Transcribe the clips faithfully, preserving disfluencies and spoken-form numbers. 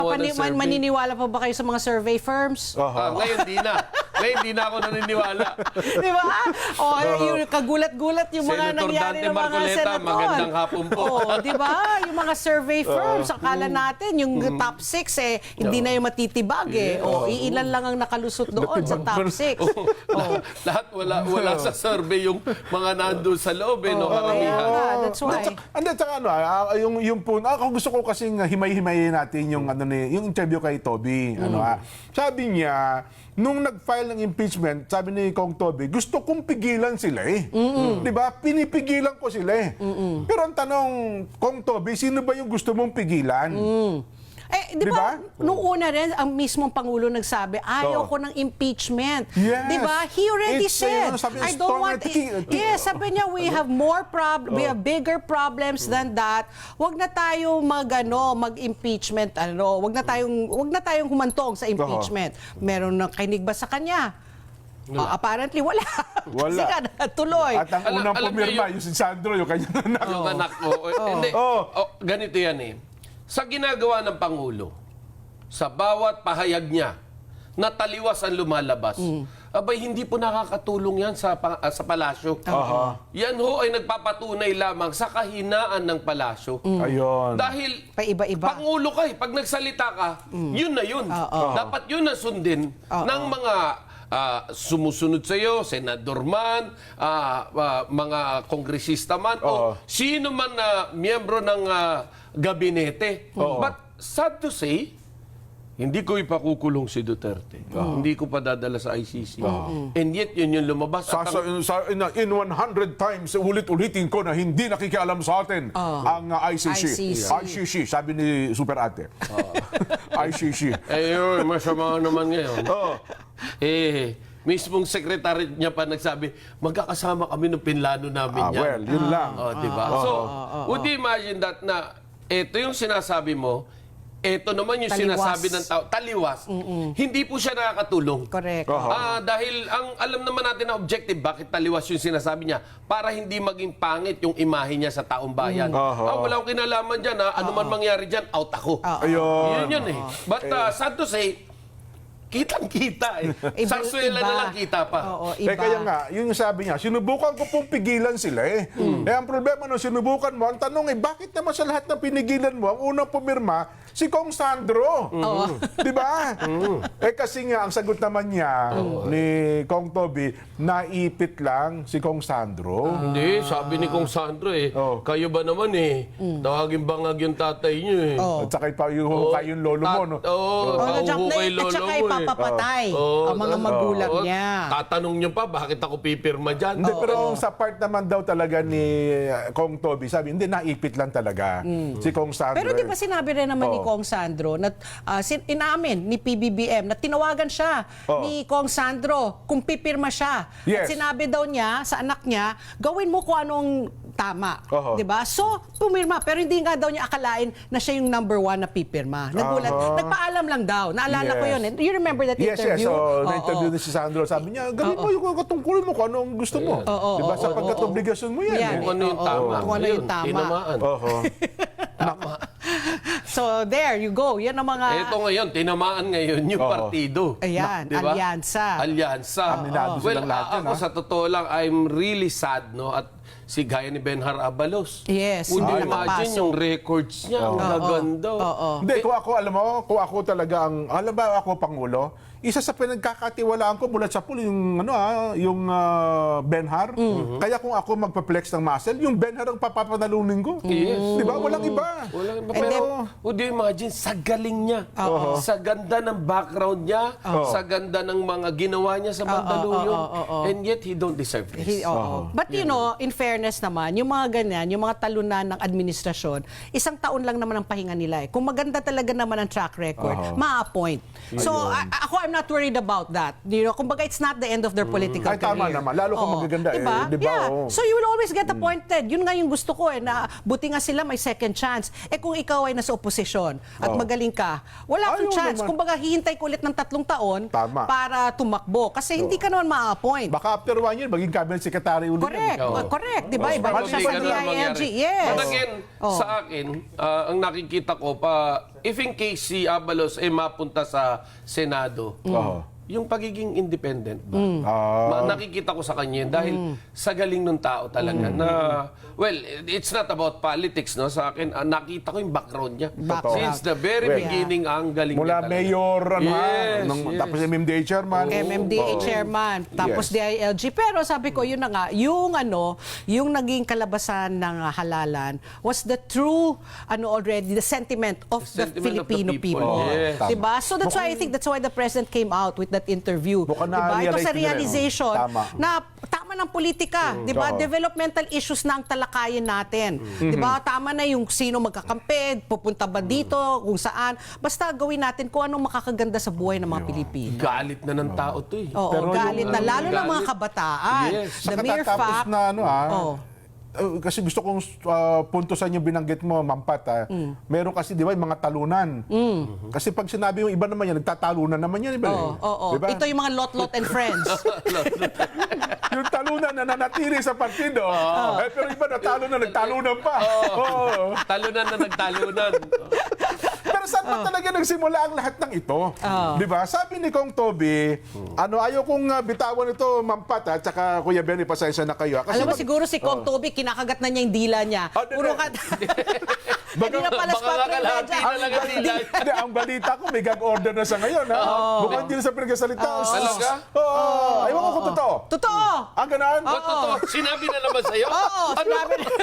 Pani- man- maniniwala pa ba kayo sa mga survey firms? Ah, ngayon di na. Ngayon di na ako naniniwala. Di ba? O yung kagulat-gulat yung mga Senator nangyari Dante ng mga Marcoleta, senator. magandang hapon po. O, di ba? Yung mga survey firms, akala natin yung top six eh, hindi na yung matitibag eh. O, iilan lang ang nakalusot doon sa top six. Lahat, lahat wala wala sa survey yung mga nandun sa loob eh, no, karamihan. Kaya nga, that's why. And then, tsaka ano, ah, yung, yung po, ako gusto ko kasing himay-himayin natin yung, ano, ni, yung interview kay Toby. Ano, ah, sabi niya, nung nag-file ng impeachment, sabi ni Kong Toby, gusto kong pigilan sila eh. Di ba? Pinipigilan ko sila eh. Pero ang tanong, Kong Toby, sino ba yung gusto mong pigilan? Eh, di Di ba, ba? nung una rin, ang mismong Pangulo nagsabi, ayaw Oo. ko ng impeachment. Yes. Di ba? He already It's, said, uh, sabi niya, I don't want... stronger to- Yes, sabi niya, we have more prob we have bigger problems than that. Wag na tayong mag, ano, mag-impeachment, ano, wag na tayong, wag na tayong humantong sa impeachment. Meron nang kinig ba sa kanya? Uh, apparently, wala. Wala. Kasi ka, tuloy. At ang Alam- unang alam niyo pumirma, yung- yung si Sandro, yung kanyang anak. Yung anak mo. Eh, Hindi. Oh. Oh, ganito yan eh. Sa ginagawa ng Pangulo, sa bawat pahayag niya, na taliwas ang lumalabas, abay, hindi po nakakatulong yan sa, pa- ah, sa palasyo. Yan ho ay nagpapatunay lamang sa kahinaan ng palasyo. Ayun. Dahil Paiba-iba. Pangulo ka eh. Pag nagsalita ka, yun na yun. Oo. Dapat yun na sundin ng mga ah, sumusunod sa iyo, senador man, ah, ah, mga kongresista man, o sino man na miyembro ng ah, gabinete. But sad to say, hindi ko ipakukulong si Duterte. Hindi ko pa dadala sa I C C. And yet, yun yung lumabas. Sa, At sa, ang- sa, in, in one hundred times, ulit-ulitin ko na hindi nakikialam sa atin ang uh, I C C. I C C. I C C, sabi ni Super Ate. I C C. eh, yun, masama naman ngayon. Oh. Eh, mismong secretary niya pa nagsabi, magkakasama kami ng pinlano namin Ah, yan. well, yun lang. Oh, di ba? So, would you imagine that na ito yung sinasabi mo, ito naman yung Taliwas. sinasabi ng tao, taliwas. Hindi po siya nakakatulong. Correct. Ah, dahil ang alam naman natin na objective, bakit taliwas yung sinasabi niya? Para hindi maging pangit yung imahe niya sa taong bayan. Aha. Ah, wala akong kinalaman dyan. Ha? Ano man mangyari dyan, out ako. Ayun. Yun yun eh. But uh, sad to say, kitang-kita eh. Iba- Sarsuela iba. na lang kita pa. Oo, Eh, iba. kaya nga, yun yung sabi niya, sinubukan ko pong pigilan sila eh. Eh, ang problema nung sinubukan mo, ang tanong eh, bakit naman sa lahat ng pinigilan mo, ang unang pumirma, si Kong Sandro. Di ba? Eh, kasi nga, ang sagot naman niya, ni Kong Toby, naipit lang si Kong Sandro. Hindi, sabi ni Kong Sandro eh, Oh. kayo ba naman eh, tawagin bangag yung tatay niyo eh. At saka pa yung, kayo yung lolo mo, no? Oo, oh, Oh, pauho na- kay at lolo saka mo eh. ipapapatay Oo, ang mga tas- magulang oo, niya. Tatanong niyo pa, bakit ako pipirma dyan? Hindi, pero sa part naman daw talaga ni uh, Kong Toby, sabi, hindi, naipit lang talaga si Kong Sandro. Pero di ba sinabi rin naman ni Oo. Kong Sandro na ah, sin- inamin ni P B B M na tinawagan siya Oo. ni Kong Sandro kung pipirma siya. At Yes. sinabi daw niya sa anak niya, gawin mo kung anong tama. Oo. Di ba? So, pumirma. Pero hindi nga daw niya akalain na siya yung number one na pipirma. Nagulat. Aha. Nagpaalam lang daw. Naalala ko Yes. yun. You remember that Yes, yes. interview? So, Oo. na-interview ni si Sandro. Sabi niya, gawin mo yung katungkulin mo kung anong gusto mo. Oo, Diba? oo, Sapagkat oo, oo. obligasyon mo yan. Yan. eh. Kung ano yung Oo, tama. kung ano yung Ayun, tama. Tinamaan. Oho. So, there you go. Yan ang mga... Ito ngayon, tinamaan ngayon yung Oo. partido. Ayan, Di ba? alyansa. Alyansa. Aminado Well, silang lahat a- yan, ako ha? sa totoo lang, I'm really sad, no? At si gaya ni Benhar Abalos. Yes, Would you hindi imagine nakapasok. yung records niya? Ang gaganda. Oo. Hindi, kung ako, alam mo, kung ako talaga ang, alam ba ako, Pangulo, isa sa pinagkakatiwalaan ko mula sa pool, yung, ano ah, yung ah, Benhar. Kaya kung ako magpa-flex ng muscle, yung Benhar ang papapanalunin ko. Yes. Di ba? Walang iba. Wala, And pero, then- would you imagine, sa galing niya, sa ganda ng background niya, sa ganda ng mga ginawa niya sa Mandaluyong, oo, oo, oo. and yet he don't deserve this. He- oo. But you know, in fairness naman, yung mga ganyan, yung mga talunan ng administrasyon, isang taon lang naman ang pahinga nila eh. Kung maganda talaga naman ang track record, ma-appoint. So, a- ako, I'm not worried about that. You know, kumbaga, it's not the end of their political Ay, tama career. naman. Lalo kung Oo. magaganda, eh, Diba? di ba? Yeah. Oo. So, you will always get appointed. Yun nga yung gusto ko eh, na buti nga sila may second chance. Eh, kung ikaw ay nasa oposisyon at Oo. magaling ka, wala kang Ayaw chance. naman. Kumbaga, hihintay ko ulit ng tatlong taon Tama. para tumakbo. Kasi hindi ka naman ma-appoint. Baka after one year, maging cabinet secretary ulit. Correct. yan. Oo. Correct. Di ba? Mas Iba siya probably sa ganun D ang I L G. mangyari. Yes. But again, Oh. sa akin, ah, ang nakikita ko pa, if in case si Abalos ay mapunta sa Senado, Oo. yung pagiging independent ba? Mm. Ah. Ma- nakikita ko sa kanya yun dahil sa galing ng tao talaga Mm. na, well, it's not about politics, no? Sa akin, ah, nakita ko yung background niya. Background. Since the very Well, beginning, ang galing Mula niya talaga. mayor, ano ha, Yes, nung, yes. tapos M M D A chairman. M M D A Oo. chairman, tapos Yes. D I L G. Pero sabi ko, yun na nga, yung ano, yung naging kalabasan ng uh, halalan was the true, ano already, the sentiment of The the sentiment of the Filipino people. people. Yes. Tama. Diba? So that's why I think that's why the president came out with that interview. Mukhang Diba? Ito na-realize sa nila, no? realization Tama. na tama ng politika, diba? Oo. Developmental issues na ang talakayin natin. Diba? Tama na yung sino magkakampi, pupunta ba dito, kung saan. Basta gawin natin kung anong makakaganda sa buhay ng mga Pilipino. Galit na ng tao to eh. Oo, Pero galit yung- na. Lalo ng mga Galit. kabataan. Yes. Sa The mere katatapos fact, na ano ha, Oo. uh, kasi gusto kong uh, puntusan yung binanggit mo, Mampat ha. Mm. Meron kasi, di ba, yung mga talunan. Kasi pag sinabi yung iba naman yan, nagtatalunan naman yan, iba Oo, oo. Di ba? Ito yung mga lot-lot and friends. Yung talunan na nanatili sa partido, eh, pero iba natalo na, nagtalunan pa. Oo. Talunan na nagtalunan. Pero saan ba talaga nagsimula ang lahat ng ito? Di ba? Sabi ni Kong Toby, ano, ayaw kong uh, bitawan ito, Mampat ha, tsaka Kuya Benny, pasensya na kayo. ha. Kasi Alam mo, mag- siguro si Kong Toby, kinakagat na niya yung dila niya. Oh, di- Puro ka... Hindi na pala baka spot kalahati na lang ang dila. Hindi, ang balita ko, may gag order na sa ngayon, ha? Mukhang hindi na sa pinagsasalita. Talaga? Oo. Ayaw ko kung totoo. Totoo! Ang ganon? Oh, totoo. Sinabi na naman sa'yo? Oo, sinabi na.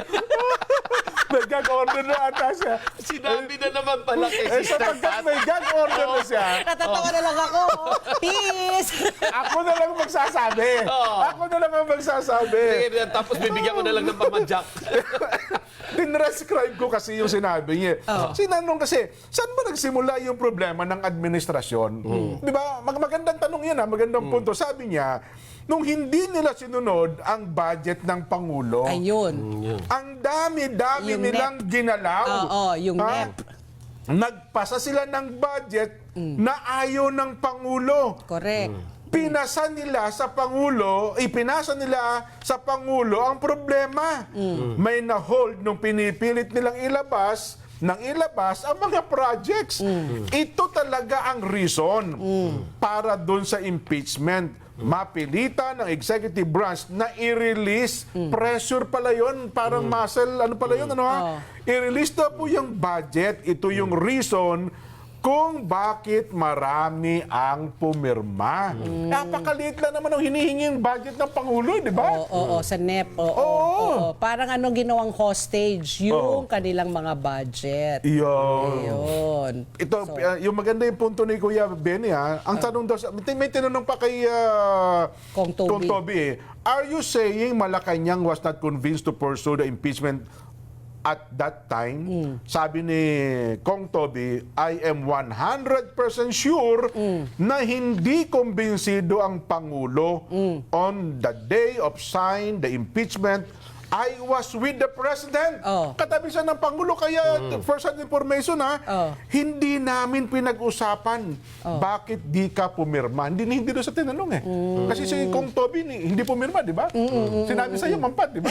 May gag order na ata siya. Sinabi na naman pala kay Eh, Sister sapagkat Pat. may gag order na siya, Natatawa na lang ako. Peace! ako na lang magsasabi. Ako na lang ang magsasabi. Sige, tapos bibigyan ko na lang ng pamadyak. Tinrescribe ko kasi yung sinabi niya. Sinanong kasi, saan ba nagsimula yung problema ng administrasyon? Di ba? Mag magandang tanong yan, ha? Magandang punto. Sabi niya, nung hindi nila sinunod ang budget ng Pangulo, Ayun. ang dami-dami Yung nilang ginalaw. Oo, yung Ha? N E P. Nagpasa sila ng budget na ayaw ng Pangulo. Correct. Pinasa nila sa Pangulo, ipinasa nila sa Pangulo ang problema. May na-hold nung pinipilit nilang ilabas, nang ilabas ang mga projects. Ito talaga ang reason para doon sa impeachment. Mapilitan ng executive branch na i-release, pressure pala yun, parang muscle, ano pala yun, ano ha? I-release na po yung budget, ito yung reason kung bakit marami ang pumirma. Napakaliit lang naman ang hinihinging budget ng Pangulo, di ba? Oo, oo, sa N E P. Oo, Oo. oo. Parang ano ginawang hostage yung kanilang mga budget. Iyon. Ayun. Ito, uh, yung maganda yung punto ni Kuya Benny, ha? Ang tanong daw, sa- may, may tinanong pa kay uh, Kong Toby. Toby, eh. Are you saying Malacanang was not convinced to pursue the impeachment at that time? Sabi ni Kong Toby, I am one hundred percent sure na hindi kumbinsido ang Pangulo on the day of sign the impeachment. I was with the President. Oh. Katabi siya ng Pangulo, kaya first hand information ha, Oh. hindi namin pinag-usapan bakit di ka pumirma. Hindi hindi doon sa tinanong eh. Kasi si Kong Toby ni- hindi pumirma, di ba? Sinabi sa'yo, Mampat, di ba?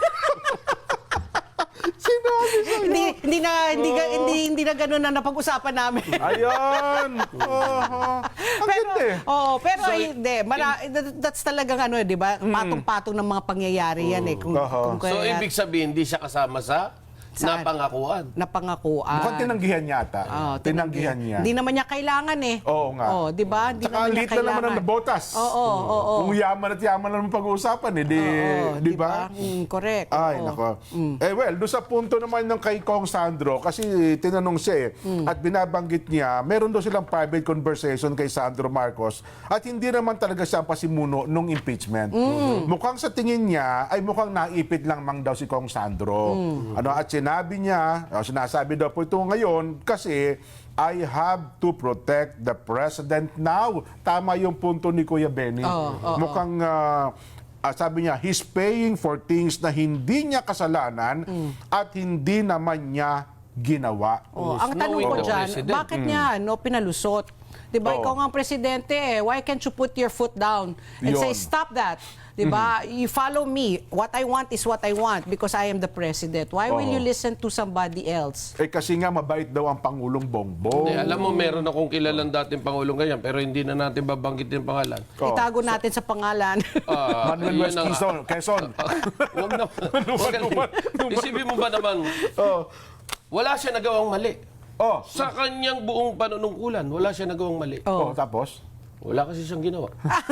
Sinabi sa'yo. Hindi hindi na hindi ga- hindi hindi na ganoon na napag-usapan namin. Ayun. Oh, ang ganda eh. Oh, pero hindi, mara, that- that's talagang ano, eh, 'di ba? Patong-patong ng mga pangyayari 'yan eh. Kung, Aha. kung So, kaya ibig sabihin, hindi siya kasama sa Saan? napangakuan. napangakuan. Mukhang tinanggihan yata. Oh, tinanggihan niya. Hindi naman niya kailangan eh. Oo nga. Oh, 'di ba? Hindi Tsaka naman niya lit na naman kailangan. ang botas. Oo, oo, oo. Kung yaman at yaman naman pag-uusapan, eh, di, Oo, di ba? Mm, correct. Ay, Oo. nako. Eh, well, doon sa punto naman ng kay Kong Sandro, kasi tinanong siya eh, at binabanggit niya, meron daw silang private conversation kay Sandro Marcos, at hindi naman talaga siya ang pasimuno nung impeachment. Mukhang sa tingin niya, ay mukhang naipit lang mang daw si Kong Sandro. Ano, at sinabi niya, o, sinasabi daw po ito ngayon, kasi I have to protect the president now. Tama yung punto ni Kuya Benny. Oo, oo, Mukhang ah, ah, sabi niya, he's paying for things na hindi niya kasalanan at hindi naman niya ginawa. Oh, ang tanong knowing ko the dyan, president. bakit niya no, pinalusot? Diba, Oo. ikaw nga ang presidente eh. Why can't you put your foot down and Yun. say, stop that? Diba? You follow me. What I want is what I want because I am the president. Why will Oo. you listen to somebody else? Eh kasi nga mabait daw ang Pangulong Bongbong. Hindi, alam mo, meron akong kilalang dating Pangulong ganyan, pero hindi na natin babanggitin yung pangalan. Oo. Itago natin sa pangalan. Ah, Manuel yun West ang- Quezon, Quezon. Huwag na. Huwag ka- Isipin mo ba naman, Oh. wala siya nagawang mali. Oh. Sa kanyang buong panunungkulan, wala siya nagawang mali. Oh, tapos? Wala kasi siyang ginawa.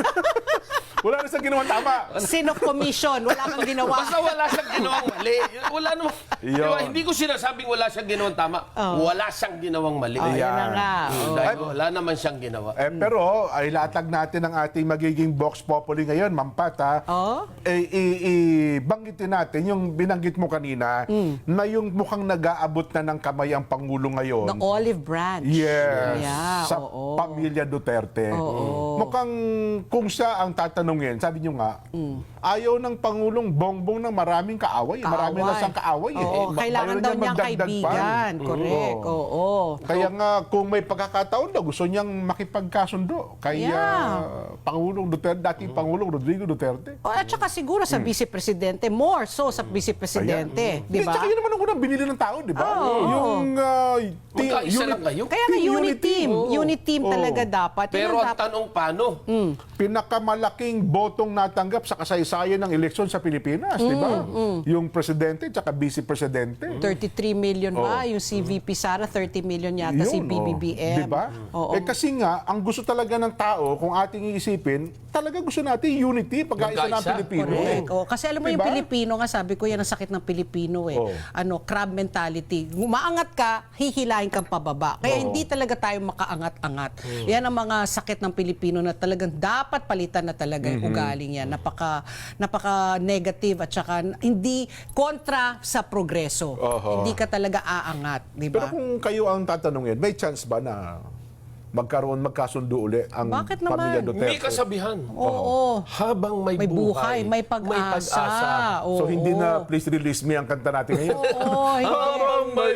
Wala na sa ginawang tama. Sino commission? Wala kang ginawa. Basta wala siyang ginawang mali. Wala naman. Yun. Diba, hindi ko sinasabing wala siyang ginawang tama. Wala siyang ginawang mali. Oh, yan na nga. Hmm, Oh. Dahil wala naman siyang ginawa. Eh, pero ay latag natin ang ating magiging Vox Populi ngayon, Mampat, ha? Oh? Eh, i- i- banggitin natin yung binanggit mo kanina na yung mukhang nag-aabot na ng kamay ang Pangulo ngayon. The olive branch. Yes. Yeah, sa oo. pamilya Duterte. Oo. Mukhang kung siya ang tatanungin, sabi niyo nga, ayaw ng Pangulong Bongbong ng maraming kaaway. Marami na siyang kaaway. eh. Oo, Eh, kailangan ayaw daw niya niyang magdagdag pa. kaibigan. Correct. Oo. Oo. Kaya nga, kung may pagkakataon daw, gusto niyang makipagkasundo kay Yeah. ah, Pangulong Duterte, dating Pangulong Rodrigo Duterte. O, at saka siguro sa vice-presidente, more so sa vice-presidente. Di Eh, tsaka ba? yun naman ang unang binili ng tao, di ba? Oo. Yung uh, Magkaisa lang kayo. Kaya nga Team unit unity. team. Oo. Unit team Oo. talaga dapat. Yun Pero ang ang dapat. tanong paano? Pinakamalaking botong natanggap sa kasaysayan ng eleksyon sa Pilipinas, di ba? Yung presidente at vice-presidente. thirty-three million ba? Yung si V P Sara, thirty million yata si Yun, B B B M. oh. Di ba? Oo. Eh kasi nga, ang gusto talaga ng tao, kung ating iisipin, talaga gusto natin unity, pagkaisa ng Magkaisa. Pilipino. Correct. Oh, kasi alam mo yung Diba? Pilipino nga, sabi ko yan ang sakit ng Pilipino eh. Oh. Ano, crab mentality. Umaangat ka, hihilahin kang pababa. Kaya Oh. hindi talaga tayo makaangat-angat. Yan ang mga sakit ng Pilipino na talagang dapat palitan na talaga yung ugaling yan. Napaka napaka negative at saka hindi kontra sa progreso. Oho. Hindi ka talaga aangat, di Pero ba? kung kayo ang tatanungin, may chance ba na magkaroon, magkasundo uli ang Bakit naman? pamilya Duterte? May kasabihan. Oo. Habang may, May buhay, may pag-asa. pag-asa. So Oo. hindi na Please Release Me ang kanta natin ngayon? Oo, hindi. Habang may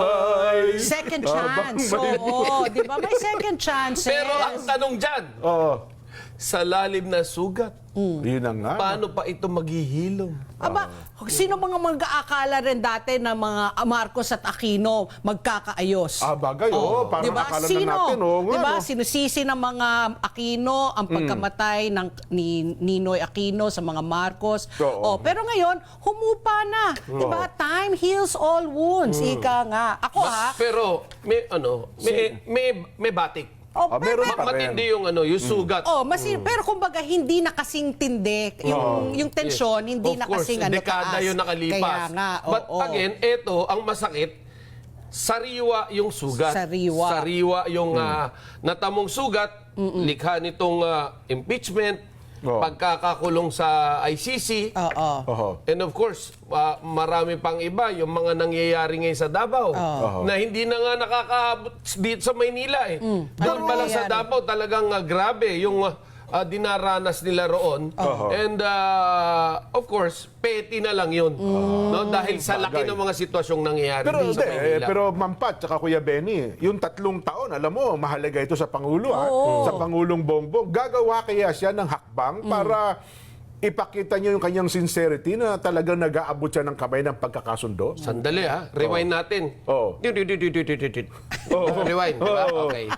buhay. Second Habang chance. may- Oo, di ba? May second chance. Pero ang tanong dyan, Oo. sa lalim na sugat, Yun na nga. paano pa ito maghihilom? Aba, sino mga mag-aakala rin dati na mga Marcos at Aquino magkakaayos? Ah, bagay, oo. Parang Diba? akala na Sino? natin, oo nga, Diba? no? Sinusisi ng mga Aquino ang pagkamatay ng ni Ninoy Aquino sa mga Marcos. Oo. Oh, pero ngayon, humupa na. Diba? Time heals all wounds. Ika nga. Ako ha, Pero may ano, may may, may batik. oh, Ah, pero, meron pa rin. Matindi yung ano, yung sugat. oh, masin, pero kumbaga hindi na kasing tindi yung yung tensyon, hindi Of na course, kasing ano dekada taas. yung nakalipas. Kaya nga, But oo. again, eto, ang masakit, sariwa yung sugat. Sariwa. Sariwa yung Hmm. ah, natamong sugat, likha nitong ah, impeachment, Oo. pagkakakulong sa I C C, Oo. Oho. and of course, ah, marami pang iba, yung mga nangyayari ngayon sa Davao, Oo. na hindi na nga nakakaabot dito sa Maynila eh. Doon Ano pa lang sa nangyayari? Davao, talagang ah, grabe yung ah, ah, dinaranas nila roon. And ah, of course, petty na lang yun. No? Dahil sa laki Bagay. ng mga sitwasyong nangyayari Pero dito hindi, sa eh, Maynila. pero Mampat tsaka Kuya Benny, yung tatlong taon, alam mo, mahalaga ito sa Pangulo, ha? Sa Pangulong Bongbong. Gagawa kaya siya ng hakbang para ipakita niya yung kanyang sincerity na talagang nag-aabot siya ng kamay ng pagkakasundo? Sandali ha, rewind natin. Oo. Rewind, di ba? Oo. Okay.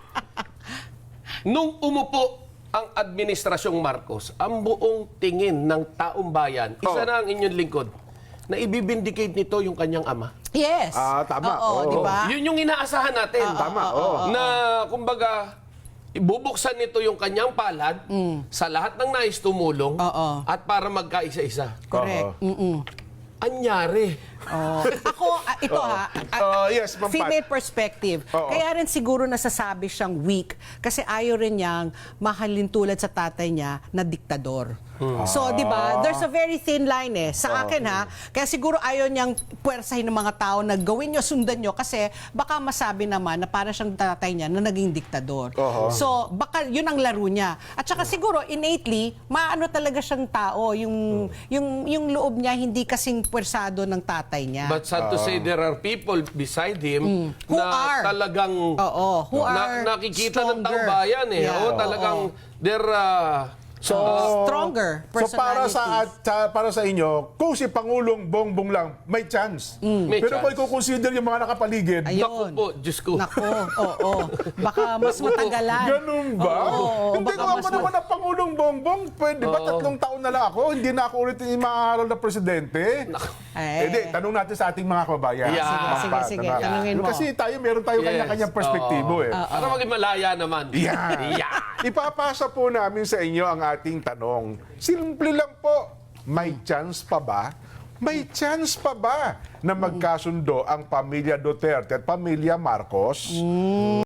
Nung umupo ang administrasyong Marcos, ang buong tingin ng taong bayan, isa Oo. na ang inyong lingkod, na ibibindicate nito yung kanyang ama. Yes. Ah, tama. Oo, Oo. di ba? Yun yung inaasahan natin. Tama, oo. Na, kumbaga, ibubuksan nito yung kanyang palad sa lahat ng nais tumulong Oo. at para magkaisa-isa. Correct. Oo. Mm-mm. Anyari. Oh. Ako, ah, ito ha, ah, Oh, yes, Ma'am Pat. female perspective. Oo. Kaya rin siguro nasasabi siyang weak kasi ayaw rin niyang mahalin tulad sa tatay niya na diktador. So, di ba, there's a very thin line eh. Sa akin ha, kaya siguro ayaw niyang puwersahin ng mga tao na gawin niyo, sundan niyo kasi baka masabi naman na para siyang tatay niya na naging diktador. Oo. So, baka yun ang laro niya. At saka siguro, innately, maano talaga siyang tao. Yung, yung, yung loob niya hindi kasing puwersado ng tatay tatay niya. But sad to say, there are people beside him Who na are. talagang Oo, who are na, nakikita ng taong stronger. bayan eh. Yeah. Oo, talagang they're uh, So, Stronger So para sa, personalities. at, sa- para sa inyo, kung si Pangulong Bongbong lang, may chance. May Pero kung chance. i-consider yung mga nakapaligid, Ayun. naku po, Diyos ko. Nako, oo. Baka mas matagalan. ganun ba? Oo, Hindi baka ko mas ako naman ang Pangulong Bongbong. Pwede ba tatlong taon na lang ako? Hindi na ako ulit yung maaaral na presidente. Eh. Eh di, tanong natin sa ating mga kababayan. Yeah. Mga Sige, bata sige, na- tanungin mo. Kasi tayo, meron tayo Yes. kanya-kanyang perspektibo eh. Para maging malaya naman. Yan. Yeah. Ipapasa po namin sa inyo ang ating tanong. Simple lang po. May chance pa ba? May chance pa ba na magkasundo ang pamilya Duterte at pamilya Marcos?